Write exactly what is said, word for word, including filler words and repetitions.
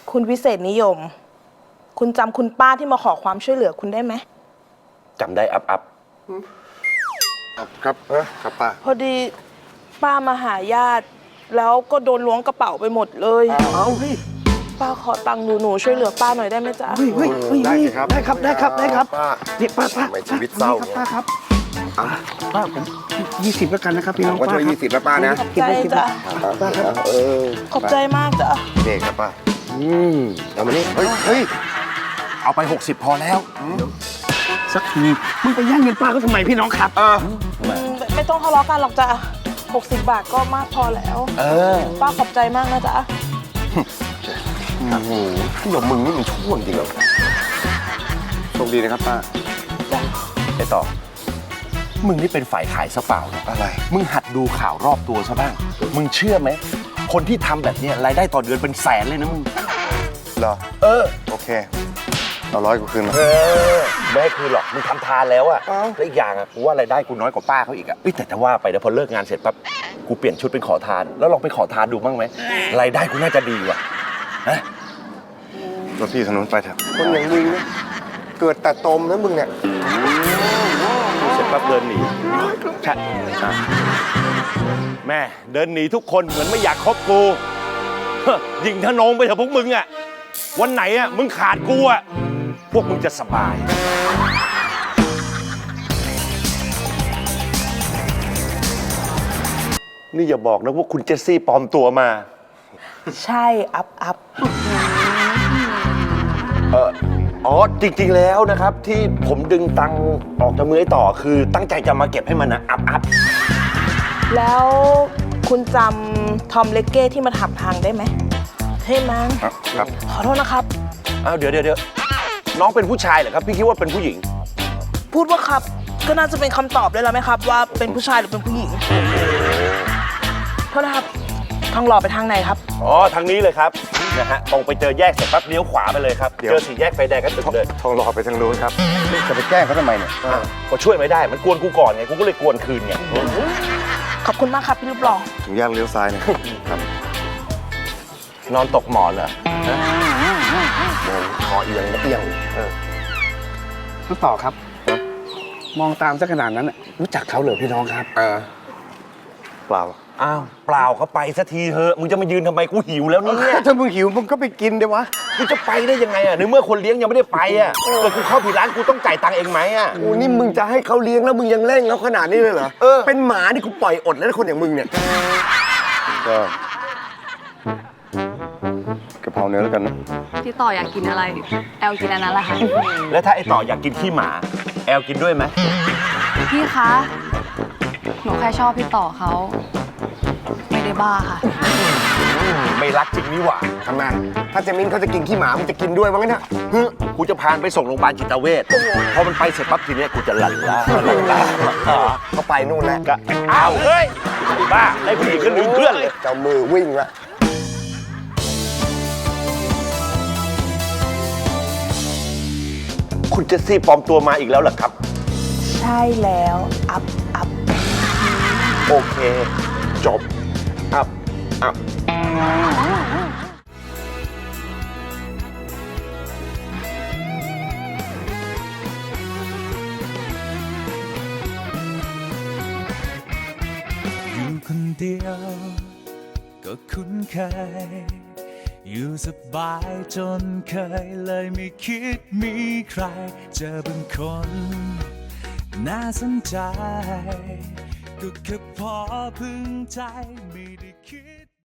คุณวิเศษนิยม คุณจำคุณป้าที่มาขอความช่วยเหลือคุณได้ไหมจำได้อับอับครับครับป้าพอดีป้ามาหาญาติแล้วก็โดนล้วงกระเป๋าไปหมดเลยเอาพี่ป้าขอตังค์หนูหนูช่วยเหลือป้าหน่อยได้ไหมจ๊ะเฮ้ยได้ครับได้ครับได้ครับได้ครับป้านี่ป้าป้าชีวิตเศร้าป้าครับป้าผมยี่สิบแล้วกันนะครับพี่น้องป้าก็ช่วยยี่สิบแล้วป้านะขอบใจจ้ะป้าครับเออขอบใจมากจ้ะเด็กครับป้าอืมเอามานี่เฮ้ยเฮ้ยเอาไปหกสิบพอแล้วสักทีมึงไปแย่งเงินป้าเขาทำไมพี่น้องครับเออไม่ต้องทะเลาะกันหรอกจ้ะหกสิบบาทก็มากพอแล้วเออป้าขอบใจมากนะจ๊ะโอ้โหพี่หยมมึงนี่มันช่วงจริงเหรอโชคดีนะครับป้าไอ้ต่อมึงนี่เป็นฝ่ายขายซะเปล่าเนี่ยอะไรมึงหัดดูข่าวรอบตัวซะบ้างมึงเชื่อไหมคนที่ทำแบบนี้รายได้ต่อเดือนเป็นแสนเลยนะมึงเหรอเออโอเคเอาร้อยกูคืนมาเออไม่ให้คืนหรอกมึงทำทานแล้วอะแล้วอีกอย่างอะกูว่ารายได้กูน้อยกว่าป้าเขาอีกอะแต่จะว่าไปนะพอเลิกงานเสร็จปั๊บกูเปลี่ยนชุดเป็นขอทานแล้วลองไปขอทานดูบ้างไหมรายได้กูน่าจะดีว่ะฮะรถพี่ถนนไปเถอะคนอย่างมึงเนี่ยเกิดแต่ตมนะมึงเนี่ยเสร็จปั๊บเดินหนีใช่แม่เดินหนีทุกคนเหมือนไม่อยากคบกูยิงทะนงไปเถอะพวกมึงอะวันไหนอะมึงขาดกูอะพวกมึงจะสบายนี่อย่าบอกนะว่าคุณเจสซี่ปลอมตัวมาใช่อัพอัพเอออ๋อจริงๆแล้วนะครับที่ผมดึงตังค์ออกจากมือไอ้ต่อคือตั้งใจจะมาเก็บให้มันนะอัพอัพแล้วคุณจำทอมเลกเก้ที่มาถามทางได้ไหมเฮ้ยมันครับขอโทษนะครับอ้าวเดี๋ยวเดี๋ยวเดี๋ยวน้องเป็นผู้ชายเหรอครับพี่คิดว่าเป็นผู้หญิงพูดว่าครับก็น่าจะเป็นคำตอบได้แล้วไหมครับว่าเป็นผู้ชายหรือเป็นผู้หญิงโทษนะครับทางหล่อไปทางไหนครับอ๋อทางนี้เลยครับนะฮะตรงไปเจอแยกเสร็จปั๊บเลี้ยวขวาไปเลยครับเจอสี่แยกไฟแดงก็ถึงเลยทองหล่อไปทางนู้นครับจะไปแกล้งเขาทำไมเนี่ยก็ช่วยไม่ได้มันกวนกูก่อนไงกูก็เลยกวนคืนไงขอบคุณมากครับพี่รูปหล่อถึงแยกเลี้ยวซ้ายนะครับนอนตกหมอนเหรอคอเอียงเอียงเออน้องต่อครับมองตามซะขนาดนั้นรู้จักเขาเหรอพี่น้องครับเออเปล่าอ้าวเปล่าเขาไปสักทีเถอะมึงจะมายืนทำไมกูหิวแล้วเนี่ยถ้ามึงหิวมึงก็ไปกินเดี๋ยววะกูจะไปได้ยังไงอ่ะในเมื่อคนเลี้ยงยังไม่ได้ไปอ่ะเกิดกูเข้าผิดร้านกูต้องจ่ายตังค์เองไหมอ่ะโอ้นี่มึงจะให้เขาเลี้ยงแล้วมึงยังเร่งแล้วขนาดนี้เลยเหรอเออเป็นหมาที่กูปล่อยอดแล้วคนอย่างมึงเนี่ยก็กะเพราเนื้อแล้วกันนะพี่ต่ออยากกินอะไรแอลกินอันนั้นแหละค่ะแล้วถ้าไอต่ออยากกินขี้หมาแอลกินด้วยไหมพี่คะหนูแค่ชอบพี่ต่อเขาไม่ได้บ้าค่ะไม่รักจริงนี่หว่าทำไมถ้าเจมินเขาจะกินขี้หมามึงจะกินด้วยมั้งเนี่ยกูจะพาไปส่งโรงพยาบาลจิตเวชพอมันไปเสร็จปั๊บทีนี้กูจะหลั่นล้าหลั่นล้าเขาไปนู่นแล้วก็อ้าวเฮ้ยบ้าได้ผู้หญิงก็ลืมเพื่อนเลยเจ้ามือวิ่งละคุณเจสซี่ปลอมตัวมาอีกแล้วเหรอครับใช่แล้วอัพอัพโอเคจบอัพอัพอยู่คนเดียวก็คุ้นเคยอยู่สบายจนเคยเลยไม่คิดมีใครเจอบางคนน่าสนใจก็แค่พอพึงใจไม่ได้คิด